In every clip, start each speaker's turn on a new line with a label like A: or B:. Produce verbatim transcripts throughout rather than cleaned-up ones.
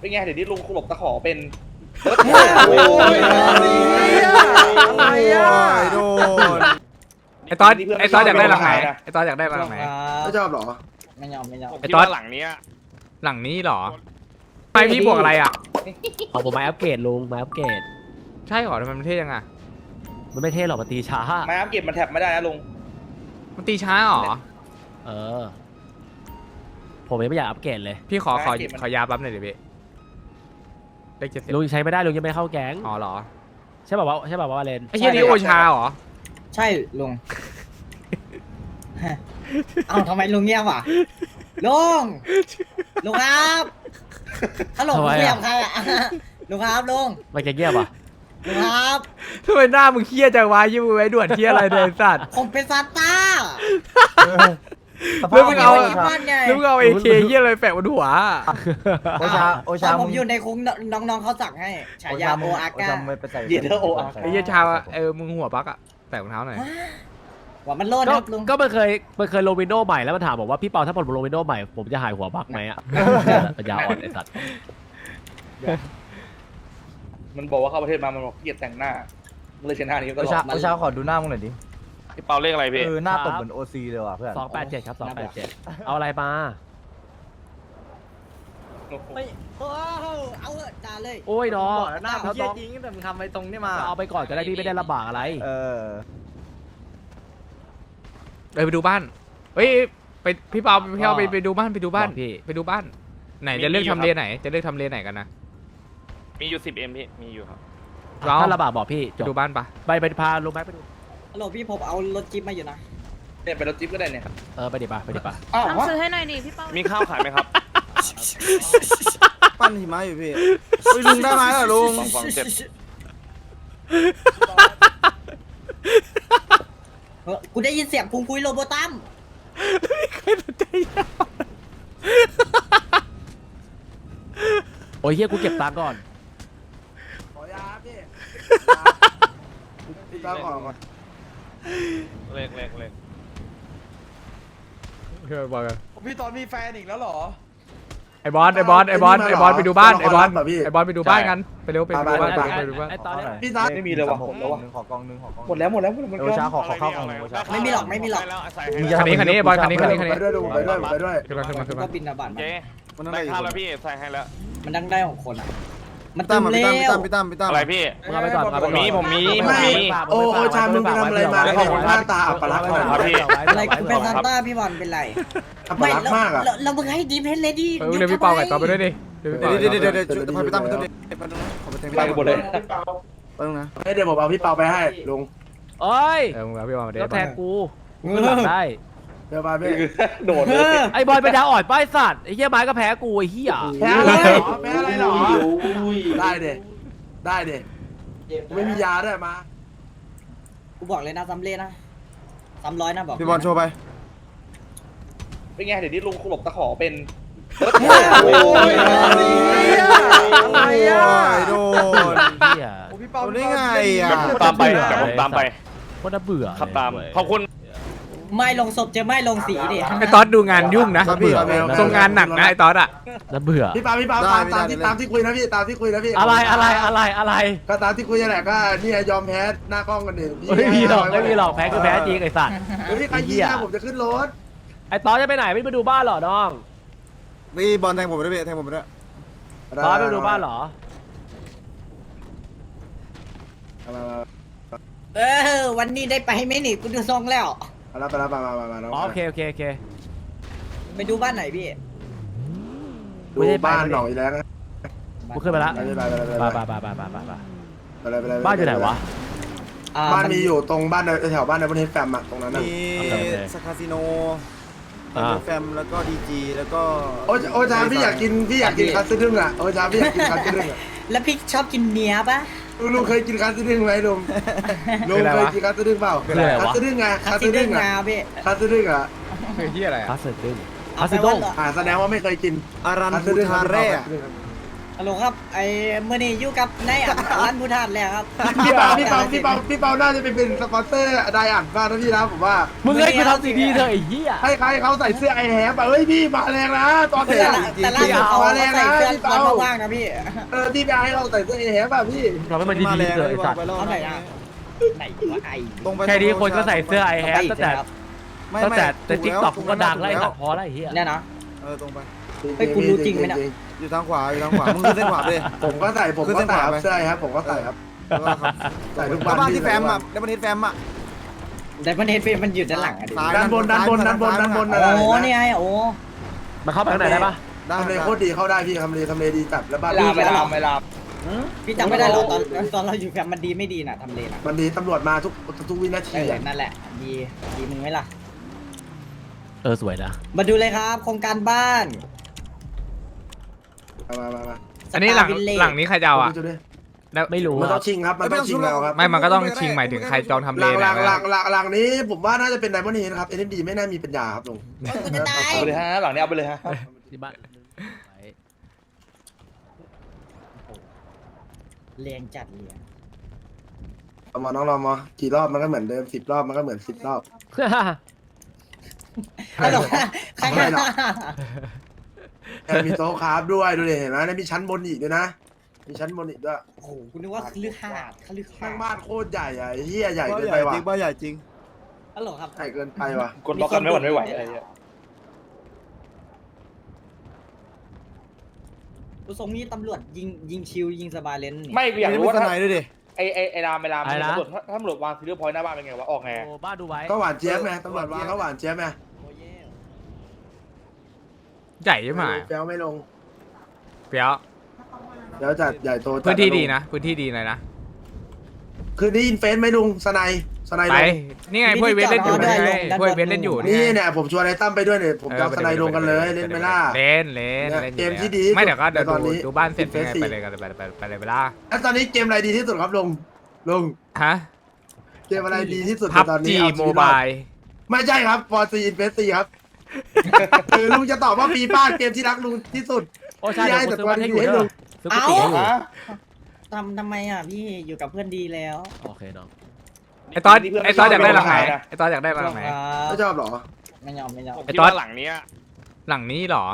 A: เป็นไงเดี๋ยวนี้ลุงหลบตะขอเป็น
B: โอ้ยอะไรอ่ะโดน
C: ไอตอนไอตอนอยากได้หลังไหนไอตอนอยากได้หลังไหน
B: ไม่ชอบหรอ
D: ไม่ยอมไม่ยอม
C: ไอตอนหลังนี้หลังนี้หรอไปพี่บวกอะไรอ่ะ
E: ของผมไม้อัปเกรดลุงไม้อัปเกรด
C: ใช่หรอทำไมมันเท่ยังอ่ะ
E: มันไม่เท่หรอกมันตีช้า
A: ไม้อัพเก็บมันแท็บไม่ได้นะลุง
C: มันตีช้าหรอ
E: เออผมยังไม่อยากอัปเกรดเลย
C: พี่ขอขอขอยาปั๊บหน่อยดิพี่เลขเจ็ดสิบ
E: ลุงใช้ไม่ได้ลุงยังไม่เข้าแก๊ง
C: อ๋อเหรอ
E: ใช่ป่าวว่าใช่ป่าวว่าเลน
C: ไอ้เหี้ยนี่โอชาเหรอ
D: ใช่ลุงเอ้าทำไมลุงเงียบอ่ะลุงลุงครับฮัลโหลลุงเงียบใครอ่ะลุงครับลุง
E: มันจะเงียบอ่ะ
D: ลุงครับ
C: ทำไมหน้ามึงเครียดจังวะยิ้มไว้ด่วนเครียดอะไรเดินสัตว์
D: ผมเป็นซานต้า
C: แล้วมึงเอา
D: ที่บ้านไง
C: แล้วมึงเอาเอเคเหี้ยอะไรแปะบนหัว
D: โอชาโอชาผมอยู่ในคุกน้องๆเขาสั่งให้ฉายาโออาก้า
A: เยเดอร์โออาร์
C: ไอ้เหี้ยชาเออมึงหัวปักอะแปะรองเท้าหน่อย
D: ว่ามันโลด
E: ก็
D: ครับลุง
E: ก็มันเคยมันเคยลงวินโดว์ใหม่แล้วมันถามบอกว่าพี่เปาถ้าผมลงวินโดว์ใหม่ผมจะหายหัวบักไหมอ่ะปัญญาอ่อนไอ้สัตว์
A: มันบอกว่าเข้าประเทศมามันบอกเกลียดแต่งหน้าเลยชนะนี้ก็
F: โอชาโอชาขอดูหน้ามึงหน่อยดิ
G: พี่เปาเลขอะไรพี่
F: เออหน้าตบเหมือนโอซีเลยว่ะเพื่อน
E: สองแปดเจ็ดครับสองแปดเจ็ดเอาอะไรมา
D: ไม่โอ้เอาเถอะด่าเลย
E: โอ้ยน้อง
F: หน้ามึงเหี้ยจริงแต่มึงทำไปตรงนี้มา
E: เอาไปก่อนก็ได้พี่ไม่ได้ลำบากอะไร
F: เออ
C: เออไปดูบ้านเฮ้ยไปพี่เปาพี่เปาไปไปดูบ้านไปดูบ้าน
E: บอกพี่
C: ไปดูบ้าน ไหนจะเลือกทำเลไหน จะเลือกทำเลไหนกันนะ
G: มีอยู่สิบเอ็มพี่ มีอยู่ครับ
C: เรา
E: ถ้าลำบากบอกพี่จ
C: ไป
E: บ
C: ดูบ้านปะ
E: ไปไปพาลงไปไปดู
D: ฮัลโหลพี่ผมเอารถจิ๊บมาอยู่นะ
A: เนี่ยไปรถจิ๊บก็ได้เนี่ย
E: เออไปดิป่ะไปดิป่ะ
D: อ้าว
H: ต้องซื้อให้หน่อยดิพี่เป้า
G: มีข้าวขายไหมครับ
B: ปั้นหิมะอยู่พี่เฮ้ยลุงได้ไหมล่ะลุง
G: สองสองเจ็ด
D: เออกูได้ยินเสียงพุงคุยโรโบตัม
E: โอ้ยเฮียกูเก็บตังค์ก่อน
B: ขอยาพี่พี่ตาขอก่อน
G: เลขเลขเลข
C: เพื่อบอกกัน
B: พี่ตอนมีแฟนอีกแล้วเหรอ
C: ไอ้บอสไอ้บอสไอ้บอสไอ้บอสไปดูบ้านไอ้บอส
B: แบบพี่
C: ไอ้บอสไปดูบ้านกันไปเร็วไปดูบ้าน
B: ไป
C: ไป
B: ไป
C: ดูบ้าน
E: ไอ้ตอนเนี้ย
B: พี่ตา
A: ไม่มีเลยว่ะ
F: ห
A: หมดแล้วว่ะ
F: นึ่งขอกองหนึ่งขอกอง
A: หมดแล้วหมดแล้วหมดแล้ว
F: โอชาขอขอข้าวกองหนึ่งโอชา
D: ไม่มีหรอกไม่มีหรอก
G: แล้วใส่
F: มึง
G: ให้
F: จะ
C: คันนี้คันนี้ไอ้บอสคันนี้คันนี้คัน
B: ไป
C: นี้
B: ด้วยดูไปด้วยไปด้วย
C: ขึ้นมาขึ้นมาขึ้นมา
D: ก็บินระบาดมา
G: เจ๊
B: มันนั่ง
G: ได้
B: ได้
G: ข้าวแล้วพี่ใส่ให้แล้ว
D: มันดังได้ของคนอ่ะ มัน
B: ตั้
D: ตึ
B: ม
D: ม
B: พี่
D: เร็
B: ตั้ม
D: ว
B: พี่ตั้มพี่ตั้ม
G: อะไรพี่
E: มึงเอาไปก่อนเอาไปก่อน
G: ผมมีผมมี
E: ไม่
B: โอ้โอชามึงไปทำอะไรมาเนี่ยหน้าตาอัปลักษณ์
G: ครับพี่
D: อะไรกูเป็นซานต้าพี่บอลเป็นไร
B: อัป
D: ไม่
B: ลักษ
D: แล้ว
B: ณ์มากอ่ะ
D: แล้วแล้วมึงให้ดีเพนเลยดิ
C: เออเดี๋ยวพี่เปาไก่ต่อไปด้วยดิเดี๋ยวพี่เปา
B: เดี๋ยวเดี๋ยวเดี๋ยวเดี๋ยวพี่ตั้มพี่ตั้มพี่ตั้มขอไปเต็ม
A: ไปกันหมดเลย
B: ไปตรงนะเดี๋ยวผมเอาพี่เปาไปให้ลุง
E: โอ้ย
C: เออมึงเอาพี่เปามาเดี๋ย
E: แล้ว
C: ว
E: แทงกูกูหลังได้
B: เดี๋ยวมาพี่
A: โดดเลย
E: ไอ้บอลเป็นดาวอ่อนป้ายสัตว์ไอ้เหี้ยไม้ก็แพ้กูไอ้เหี้ย
B: แพ้อะไรหรอแพ้อะไรหรอได้เด็ได้เด็ไม่มียาด้วยมา
D: กูบอกเลยนะซ้ำเล่นะซ้ำร้อยนะบอก
B: พี่บอลโชว์ไป
A: เป็นไงเดี๋ยวนี้ลุงหลบตะขอเป็น
B: โอ้ยอะไรอ่ะโดน
E: เหี้ย
B: พี่เปาได้ไงอ่ะ
G: ตามไปเดี๋ยวผมตามไป
E: โคตรน่าเบื่อ
G: ขับตาม
E: เลย
G: ขอบคุณ
D: ไม่ลงศพจะไม่ลงสีดิ
C: ไอ้ตอสดูงานยุ่งนะทรงงานหนักนะไอ้ตอสอะ
E: น่าเบื่อ
B: พี่เปาพี่เปาตามตามที่ตามที่คุยนะพี่ตามที่คุยนะพี่
E: อะไรอะไรอะไรอะไร
B: ก็ตามที่คุยนั่นแหละก็นี่ยอมแพ้หน้ากล้องกันเอง
E: ไม่มีหรอกไม่มีหรอกแพ้คือแพ้จริงไอ้สัตว์
B: เฮ้ยใครยิงผมจะขึ้นรถ
E: ไอ้ตอนจะไปไหนไม่ไปดูบ้านเหรอน้อง
B: นี่บอลแทงผมด้วยพี่แทงผมด้วย
E: ตอนไปดูบ้านเหรอ
D: เออวันนี้ได้ไปไหมนี่กูดูทรงแล้ว
B: มาแล้วไปแล้วมามามามา
E: อ๋อโอเคโอเคโอเค
D: ไปดูบ้านไหนพี่
B: ดูบ้านหน่อยแล้ว
E: กูขึ้นไปละ
B: ไปไปไปไป
E: ไปไปไปไปไปไปไป
B: ไปเลยไปเลย
E: บ้านอยู่ไหนวะ
D: อ่
B: บ้าน
D: มั
B: มีอยู่ตรงบ้านแถวบ้านในประเทศแฟมอะตรงนั้นน่ะ
E: โอเคโอเค
I: สคาสิโน
E: อ่า
I: แฟมแล้วก็ดีจีแล้วก็
B: โอ้โอ้ชาพี่อยากกินพี่อยากกินคัสซึงอ่ะโอ้ชาพี่อยากกินคัสซึงอ่ะ
D: แล้วพี่ชอบกินเนื้อปะ
B: ลุงเคยกินคัสซึงไหมลุงลุงเคยกินคัสซึงเปล่าคัสซึงไง
D: คา
B: คัส
D: ซิ
B: ซึ
D: เด้ง
B: ง
D: งา
B: อ่ะ
D: พี่
B: คัสซึงอ่ะ
C: คือที่อะไร
E: พา
C: อะ
E: สเซดึง
D: เอา
E: พาส
D: ไป
E: เซ
D: วั
E: ด
D: น
E: ง
D: เหรอ
B: อ่าแสดงว่าไม่เคยกิน
I: อารัน
B: คัส
I: บู
B: ซึง
I: ทาเร่
D: ฮัลโหลครับไอ้เมื่อนี้อยู่กับนายอ่านร้านพุทธาแล้วครับ
B: พี่เปาพี่เปาพี่เปาพี่เปาน่าจะไปเป็นสปอนเซอร์ไดอ่านบ้างนะพี่นะผมว่า
E: มึงให้กูทำซีดีเถอะไอ้เหี้ย
B: ให้ใครเขาใส่เสื้อไอแฮมอะเฮ้ยพี่มาแรงนะตอน
D: แต่
B: เด็ก
D: ละแต่ล่าสุดเขาใส่เสื้อคอนว่างๆนะพี่
B: เออพี่ไปให้เขาใส่เสื้อไอแฮมอะพี่
E: ทำให้มันดีๆเถอะไอ้สัตว์
D: เอาไหนอ่ะไหนวะไอ้
I: ตรงไป
E: แค่นี้คนก็ใส่เสื้อไอแฮปตั้งแต่
I: ไม่
E: ตั้ง
I: ไม่
E: แต่แต่
I: ถู
E: ติ๊ก
I: แล้ว
E: ต็อก
I: ถู
E: ก็ดัง
I: ถู
E: แล้วไอ้สัตว์พอแล้วไอ้เหี้ย
D: เนี่ยนะ
I: เออตรงไป
D: เฮ้ยคุณรู้จริงไหมเนี่ย
I: อยู่ทางขวาอยู่ทางขวามึงขึ้นเส้นขวาไปเลย
B: ผมก็ใส่ผม
I: ขึ้น
B: ก็
I: เส้น
B: ใส่
I: ขวา
B: ครับ
I: ไป
B: เสื้อไอแฮมผมก็ใส่ครับ
I: แล้วก็ครับ
B: ใส่ทุก
I: แล้ว
B: วัน
I: บ้าน
B: พี่
I: ที่แฟมอ่ะแล้วบ้านที่แฟมอ่ะ
D: แต่ประเด็นเฟมันอยู่ด้านหลังอ่ะดิ
I: ซ้าย
B: ด้านบนด้านบนด้านบนด้านบน
D: โอ้เนี่ยไอ้โอ้
E: มาเข้าไปข้างในได้ปะ
I: ได้
B: ทำเลโคตรดีเข้าได้พี่ทำเลทำเลดีจัดแล้วบ้าน
A: เวลาเวลาเวลา
D: พี่จำไม่ได้หรอตอนตอนเราอยู่แฟมมันดีไม่ดีน่ะทำเลน่ะ
B: มันดีตำรวจมาทุกทุกวินา
D: เอ
B: ที
D: อ
B: อะ
D: นั่นแหละดีดีมึงไหมล่ะ
E: เออสวยนะ
D: มาดูเลยครับโครงการบ้าน
B: มามามามา
C: อันนี้หลังหลังนี้ใครจะเอาอ่ะ
B: ดูดิ
E: ไม่รู้
B: มัน
E: ค
B: ต้
E: รั
B: อบ งชิงครับมันต้องชิงแล้วครับ
C: ไม่มันก็ต้องชิงหมายถึงใครจองทำ
B: ห
C: เล
B: ลัง
C: น
B: หลั
C: นะ
B: งหลังหลังหลังนี้ผมว่าน่าจะเป็นไดมอนด์เฮดครับเอ็นดีไม่น่ามีปัญญาครับลุง
D: กูจะตาย
A: เอาไปเลยฮะหลังนี้เอาไปเลยฮะ
E: ที่บ้าน
D: เรียงจัดเรียง
B: เอามาน้องรอมากี่รอบมันก็เหมือนเดิมสิบรอบมันก็เหมือนสิบรอบ
D: ฮัลโหลข้างหน้า
B: แถมมีโต๊ะคราฟด้วยดูดิเห็นไหมแล้วมีชั้นบนอีกด้วยนะมีชั้นบนอีกด้วย
D: โอ้โหคุณนึกว่าคฤหาสน์คฤหา
B: ข้าง
D: สน์
B: บ้านโคตรใหญ่อะไอ้เหี้ยใหญ่
I: บ้าน
B: เกิน
I: ให
B: ไป
I: ญ่
B: ว่ะ
I: จริงบ้านใหญ่จริง
D: ฮัลโหลครับ
B: ใหญ่เกินไปว่ะ
A: กดบล็อกกันไม่หวั่นไม่ไหวอะไรเงี้ย
D: ดูทรงนี้ตำรวจยิงยิงชิวยิงสบายเลนนี่
A: ไม่อยากรู้ว่า
I: มี
A: ถ้า
I: สไนด์ด้วยดิ
A: ไอไอไอรามไอรามตำรวจถ้าตำรวจวางซีเรียลพอยต์หน้าบ้านเป็นไงวะออกไง
E: โอ้บ้านดูไว้
B: ก็หวานเจี๊ยบไงตำรวจวางก็หวานเจี๊ยบไง
D: โอ้เย่
C: ใหญ่ใช่ไหม
B: เปียวไม่ลง
C: เปียว
B: เดี๋ยวจัดใหญ่โตจัด
C: พื้นที่ดีนะพื้นที่ดีเลยนะ
B: คืนนี้อินเฟนไหมลุงสไนสไน
C: ไป
B: ลง
C: นี่ไงพวกเวทเล่นอยู่นี่ไงพวกเวทเล่นอยู่
B: นี่เนี่ยผมชวนไอ้ตั้มไปด้วยเนี่ยผมจะเอาสไนลงกันเลยเล่นไหมล่ะ
C: เล่นเล่นเล่น
B: เกมที่ดี
C: ไม่เดี๋ยวก็เดี๋ยว
B: ในตอนนี้
C: ดูดูบ้านเสร็จยังไง
B: Phase
C: ไปเลยกันไปไปไปเลยเวลา
B: แล้วตอนนี้เกมอะไรดีที่สุดครับลุงลุง
C: ฮะ
B: เกมอะไรดีที่สุด
C: พับ
B: ในตอนนี้
C: จี
B: เอชี
C: โม
B: วิตร
C: บา
B: อด
C: ย
B: ไม่ใช่ครับฟอร์ซีอินเฟสซีครับคือลุงจะตอบว่าฟีฟ่าเกมที่รักลุงที่สุด
E: โอ้ใช่เดี๋ยวกูซื้อบ้านให้อยู่เด้อซื้อกุฏิให้อยู่
D: ทำทำไมอ่ะพี่อยู่กับเพื่อนดีแล้ว
E: โอเคน้อง
C: ไอตอนไอตอนอยากได้หลังไหนไอตอนอยากได้หลังไหน
B: ไม่ชอบเหรอ
D: ไม่ยอมไม่ยอม
G: ผม
C: ไอ้
G: คิด
C: ต๊อด
G: ว่าหลังเนี้ย
C: หลังนี้เหรอ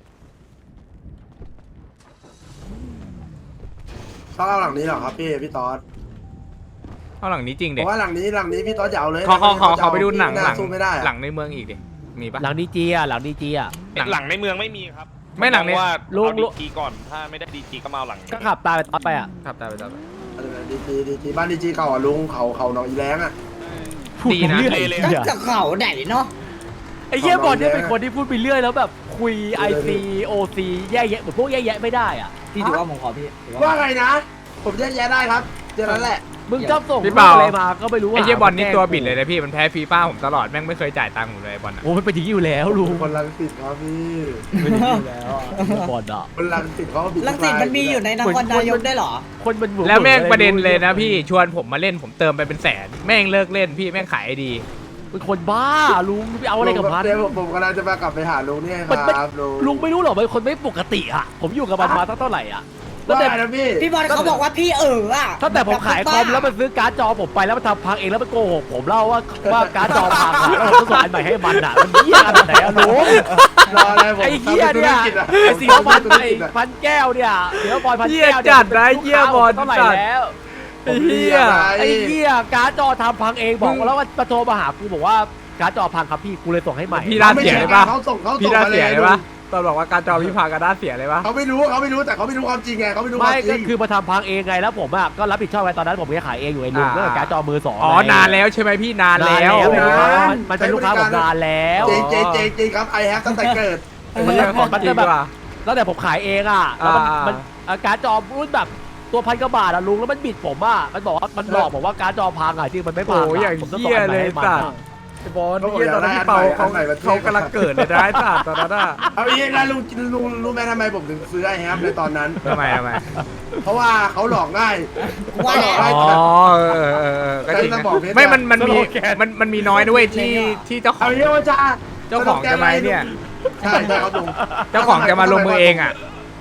B: เขาเอาหลังนี้เหรอครับพี่พี่ต๊อด
C: เอาหลังนี้จริง
B: เพ
C: เด็ก
B: ราะว่าหลังนี้หลังนี้พี่ต๊อดจะเอาเลย
C: ขอขอขอขอไปดูหนัง
B: พี่
C: หลัง
B: สู้ไม่ได้อะ
C: หลังในเมืองอีกดิมีปะ
E: หลังดีจีอ่ะหลังดีจีอ่ะ
C: หลัง
G: หลังในเมืองไม่มีครับ
C: ไม่หลังใน
G: ว่า
E: ลุง
G: เอา
E: ลุ
G: ดี
E: ง
G: จีก่อนถ้าไม่ได้ดีจีก็มาเอาหลังนี้
E: ก็ขับตามไปตอนไปอ่ะ
C: ครับได้ไปได้ไป
B: ดีจีดีจีบ้านดีจีเก่าอ่ะลุงเขาเขาหนองอีแรงอ่ะ
C: ดีนะ
E: พูดไปเรื่อย
D: ก็จะเข่าไหนเนาะ
E: ไอ้เหี้ยบอลเนี่ยเป็นคนที่พูดไปเรื่อยแล้วแบบคุยไอซีโอซีแย่แยะเหมือนพวกแย่แยะไม่ได้อ่ะ
D: พี่ถือว่าผมขอพี่ถือ
B: ว่า
D: ว่า
B: ไงนะ ผมแยกแยะได้ครับเจอนั้นแหละ
E: มึงชอบส่ง
C: พี่เปา
E: อะไรมาก็ไม่รู้
C: ไอ
E: อ่ะ
C: เหี้ยบอลนี่ตัวบิดเลยนะพี่มันแพ้ฟีฟ่าผมตลอดแม่งไม่เคยจ่ายตังค์ผมเลยบอลอ่ะ
E: โอ้มันเป็นอย่างนี้อยู่แล้วลุง
B: คนลังสิตครับพี่
E: เป็นอย่างนี้อยู่แล้วอ่ะบอลอ่ะ
B: คนลังสิตเขาก็บิด
D: ลังสิตมันมีอยู่ในนครนายกได้วยเหรอ
E: คนมันหมุน
C: แล้วแม่งประเด็นเลยนะพี่ชวนผมมาเล่นผมเติมไปเป็นแสนแม่งเลิกเล่นพี่แม่งขายไอดี
E: เป็นคนบ้าลุงไปเอาอะไรกับมัน
B: เดี๋ยวผมผมกำลังจะมากลับไปหาลุงเนี่ยค
E: มันไม่
B: รับลุง
E: ลุงไม่รู้หรอกเป็นคนไม่ปกติอ่ะผมอยู่กับมันมาตั้งเท่าไหร่อ่ะตั้ง
B: ว่า
E: แต่
B: นะพี่
D: พี่บอลเขาบอกว่าพี่เอออ่ะ
E: ตั้งแต่ผมขายคอมแล้วมันซื้อการ์ดจอผมไปแล้วมันทำพังเองแล้วมันโกหกผมเล่าว่าว่าการ์ดจอพังอ่ะแล้วผมต้องส่งอันใหม่ให้มันอ่ะมันเหี้ยขนาดไหนอะลุง
B: รออะไรผม
E: ไอ้เหี้ยเนี่ย
B: ทำธุรกิจอะ
E: ไอ้สีน้ำมันไอ้พันแก้วเนี่ยสีน้ำบอลพันแก้ว
C: เหี้ยจัดนะเหี้ยบอล
E: เท่าไหร่
C: จัด
E: แล้ว
C: ไอ้เหี้ย
E: ไอ้เหี้ยการ์ดจอทำพังเองบอกแล้วว่ามาโทรมาหากูบอกว่าการ์ดจอพังครับพี่กูเลยส่งให้ใหม่
C: พี่ด้านเสียเลยปะ
B: เขาส่งเขาส่ง
C: พี่ด้าน
B: มา
C: เสียเลย
B: ลุ
C: ปะ
B: ง
C: ตอนบอกว่าการจอพี่พากันด้านเสียเลยปะ
B: เขาไม่รู้เขาไม่รู้แต่เขาไม่รู้ความจริงไงเขาไม่รู้ค
E: ไม่
B: วามจ
E: ก็
B: ริง
E: คือมาทำพังเองไงแล้วผมอ่ะก็รับผิดชอบไว้ตอนนั้นผมแค่ขายเองอยู่ไอ้ลุงก็การ์ดจอมือสอง
C: อ๋อนานแล้วใช่ไหมพี่นานแล้ว
E: นานแล้ว
B: นาน
E: มันมันเป็นลูกค้าผมนานแล้ว
B: เจงเจงเจงเจงครับไอแฮปตั้งแต่เกิด
C: มันเรื่องของจริงว่ะ
E: ตั้งแต่ผมขายเองอ่ะแล้วมัน
C: อ่ามั
E: มันอ่ะการ์ดจอรุ่นแบบตัวพันกว่าบาทอ่ะลุงแล้วมันบิดผมอ่ะมันบอกว่ามันหลอกผมว่าการ์ดจอพังอ่ะจริงมันไม่พัง
C: โอ้ยอย่าง
E: ผมต้อง
C: เหี้
E: ส่ง
C: ย
E: อันให
C: เล
E: ม่
C: ย
E: ให้มัน
C: สัต
E: อะ
C: ว์ไอ้บอลเหี้ยตอนนั้นพี่เปาเขาเขากำลังเกิดเลยนะไอ้สัตว์ตอนนั้นอะ
B: เอาอย่างนี้นะลุงลุงรู้ไหมทำไมผมถึงซื้อไอแฮปในตอนนั้น
C: ทำไมทำไม
B: เพราะว่าเขาหลอกง่าย
D: ว่า
B: หล
D: แล้
B: อก
D: ว
B: ง่าย
C: อ๋อเออเออเออก็จริง
B: ใช้
C: นะ
B: สมองเพชร
C: ไม่มันมันมี
E: สโลแกน
C: มันมันมีน้อยด้วยที่ที่เจ้าขอ
B: เอา
C: ง
B: อย่างนี้ว่าจ้า
C: เจ้าของจะมาเนี่ย
B: ใช่ใช่เขาลุง
C: เจ้าของจะมาลงมือเองอ่ะ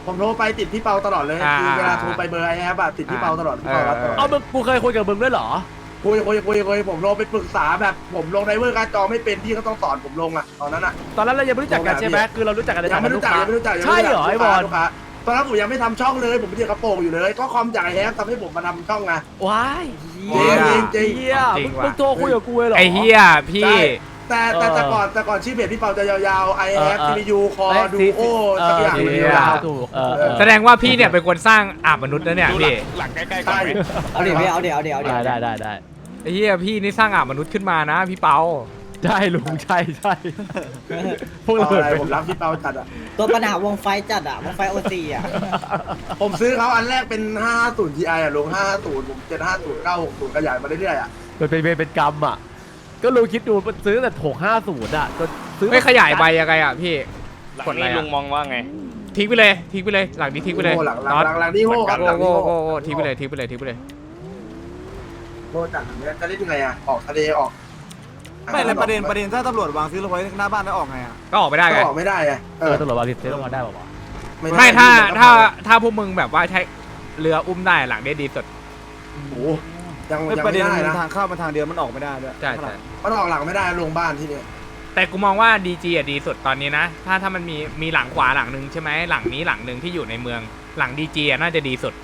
B: ผมโทรไปติดพี่เปาตลอดเลย
C: อ่า
B: คือเวลาโทรไปเบอร์ไอ้แอปอะติดพี่เปาตลอดพี่เปารับตลอด
E: เอามึงกูเคยคุยกับมึงด้วยเหรอ
B: คุยคุยคุยคุยผมลงไปปรึกษาแบบผมลงไดเวอร์การจอไม่เป็นพี่ก็ต้องสอนผมลงอะตอนนั้นอะ
E: ตอนนั้นเรายังไม่รู้จักกันใช่ไหมคือเรารู้จักกันใน
B: ยังไม่รู้จัก
E: ฐานะ
B: ยังไม่รู้จัก
E: ใช่เหรอไอ้บอล
B: ลูกค้าตอนนั้นผมยังไม่ทำช่องเลยผมเป็นเด็กกระโปรงอยู่เลยก็คอมจากไอ้แฮปทำให้ผมมาทำช่องไง
E: ว้าย
B: จริงจริง
E: เฮีย
C: จริ
E: มึ
C: ง
E: ง
C: ว่ะ
E: มึงโทรคุยกับกูเลยเหรอ
C: ไอ้เฮียพี่
B: แต่แต่แต่ก่อนแต่ก่อนชื่อเพจพี่เปาจะยาวๆ i อ f
E: เออ
B: ที v ยูคอ
E: เอ้ย
B: ดู
E: ซี
B: โอสักอย่าง
E: เออ
B: หนึ่ง
E: ซี
B: ยาว
E: ถูกเออเออ
C: แสดงว่าพี่เนี่ยเป็นคนสร้างอาบมนุษย์นะเนี่ย
G: ดูหลั
C: พี่
G: งหลังใกล้ๆ
B: ๆ
G: ก่อน
B: ใช่
G: ไหม
D: เอาเดี๋ยวพี่เอาเดี๋ยวเอาเดี๋ยวเอาเดี๋ยว
E: ได้ได้ได้ได้
C: ไอ้เฮียพี่นี่สร้างอาบมนุษย์ขึ้นมานะพี่เปา
E: ใช่ลุงใช่ใช่พวกเรา
B: เอาอะไร
E: เป็น
B: ผมรักพี่เปาจัดอ่ะ
D: ตัวปัญหาวงไฟจัดอะวงไฟโอซีอะ
B: ผมซื้อเขาอันแรกเป็น ห้าห้าศูนย์ ที ไอ อ่ะลง ห้าห้าศูนย์ ผม เจ็ดห้าศูนย์ เก้าหกศูนย์ ขยายมาเรื่อยๆอ่ะ
E: มันเป็นเวรเป็นกรรมอ่ะก็ลุงคิดดูมันซื้อแต่หกห้าศูนย์อ่ะจนซื้อ
C: ไม่ขยายใบยังไงอ่ะพี่
G: หลัง
C: กดอะไร
G: นี้
C: อะ
G: ลุงมองว่าไง
C: ทิ้งไปเลยทิ้งไปเลยหลังนี้ทิ้งไปเลย
B: โอ้หลังหลัง
C: น็อต
B: หลังหลังนี่โง่ครับหลัง
C: โง่
B: นี่
C: โง่
B: โง่
C: โง่ทิ้งไปเลยทิ้งไปเลยทิ้งไปเลย
B: โง่จัดเนี่ยจะเล่นยังไงอ่ะ ออกทะเลออก
I: ไม่เลยประเด็นประเด็นถ้าตำรวจวางซื้อรถไว้หน้าบ้านแล้วออกไงอ่ะ
C: ก็ออกไม่ได้
B: ก็
C: ไง
B: ออกไม่ได้อ่ะเอ
E: เอ
B: อ
E: อตำรวจวางดิสเทสมาได้ป่าวะ
B: ด้
C: ไม่ถ้า
B: พี่
C: ถ้าถ้าพวกมึงแบบว่าใช้เรืออุ้มได้หลังได้ดีสุด
B: โอ้โหยัง
I: ไม่
B: ยัง
I: ประ
B: ไม่
I: เด็น
B: ได้
I: มัน
B: นะ
I: ทางเข้ามันทางเดียวมันออกไม่ได้ด้วย
C: ใช่ใช่
B: มันออกหลังไม่ได้ลงบ้านที่เนี่ย
C: แต่กูมองว่าดีจีอ่ะดีสุดตอนนี้นะ ถ้าถ้ามันมีมีหลังขวาหลังหนึ่งใช่ไหมหลังนี้หลังหนึ่งที่อยู่ในเมืองหลังดีจีอ่ะน่าจะดีสุด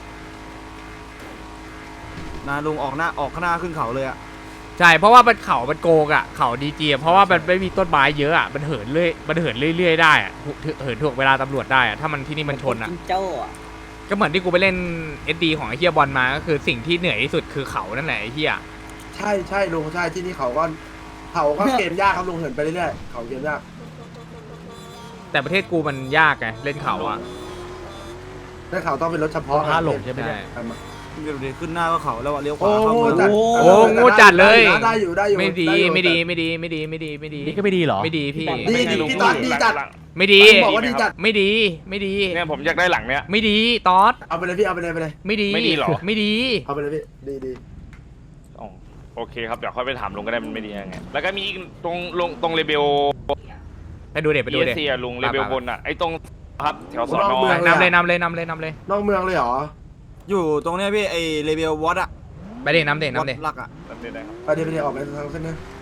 I: นะลุงออกหน้าออกข้างหน้าขึ้นเขาเลยอ่ะ
C: ใช่เพราะว่ามันเขามันโกงอ่ะเขาดีจีเพราะว่ามันไม่มีต้นไม้เยอะอ่ะมันเหินเรื่อยมันเหินเรื่อยๆได้อ่ะเหินถ่วงเวลาตำรวจได้อ่ะถ้ามันที่นี่มันชนอ่ะ
D: จิงโจ้อะ
C: ก็เหมือนที่กูไปเล่น เอส ดี ของไอ้เฮียบอลมาก็คือสิ่งที่เหนื่อยที่สุดคือเขานั่นแหละไอ้เฮีย
B: ใช่ใช่ลุงใช่ที่นี่เขาก็เขาก็เกมยากครับลุงเหินไปเรื่อยๆเขาเกมยาก
C: แต่ประเทศกูมันยากไงเล่นเขาอ่ะ
B: แต่เขาต้องเป็นรถเฉพาะ
E: ห้าหลงใช่ไหม
C: ใช่
E: เนี่ย
I: เดี๋ยวเดี๋ยวขึ้นหน้าก็เขาแล้วอะเลี้ยวข
B: โอ้
I: วาเข้า
B: โห
I: เมือง
B: จัด
C: โอ้โง่จัดเลย
B: ได้อยู่ได้อยู่
C: ไม่ดี
B: อยู่
C: ไม่ดีไม่ดีไม่ดีไม่ดีไม่ดีไม่ดี
E: นี่ก็ไม่ดีเหรอ
C: ไม่ดีพี่
B: ดีดีพี่ตอนดีจัด
C: ไม่ดี
B: ผมบอกว่าดีจัด
C: ไม่ดีไม่ดี
G: เนี่ยผมอยากได้หลังเนี้ย
C: ไม่ดีตอส
B: เอาไปเลยพี่เอาไปเลยไปเลย
C: ไม่ดี
G: ไม่ดีเหรอ
C: ไม่ดี
B: เอาไปเลยพี่ดีดี
G: อ๋อโอเคครับเดี๋ยวค่อยไปถามลุงก็ได้มันไม่ดียังไงแล้วก็มีอีกตรงลงตรงเลเบล
C: ไปดูเด็ดไป
G: เอ
C: ดูเด็ด
G: เซียลุงเลเบลบนอ่ะไอ้ตรงครับแถวสอนอ
C: นำเลยนำเลยนำเลยนำเลย
B: นอกเมืองเลยเหรอ
I: อยู่ตรงเนี้ยพี่ไอเลเวลวอตอะ
C: ไปเด็ดนำเด็ดนำเด็ด
I: หลักอะ
G: แบบนี้ได้ครับ
B: ไปเดี๋ยวไปเดี๋ยวออกไปทางเส้นนี้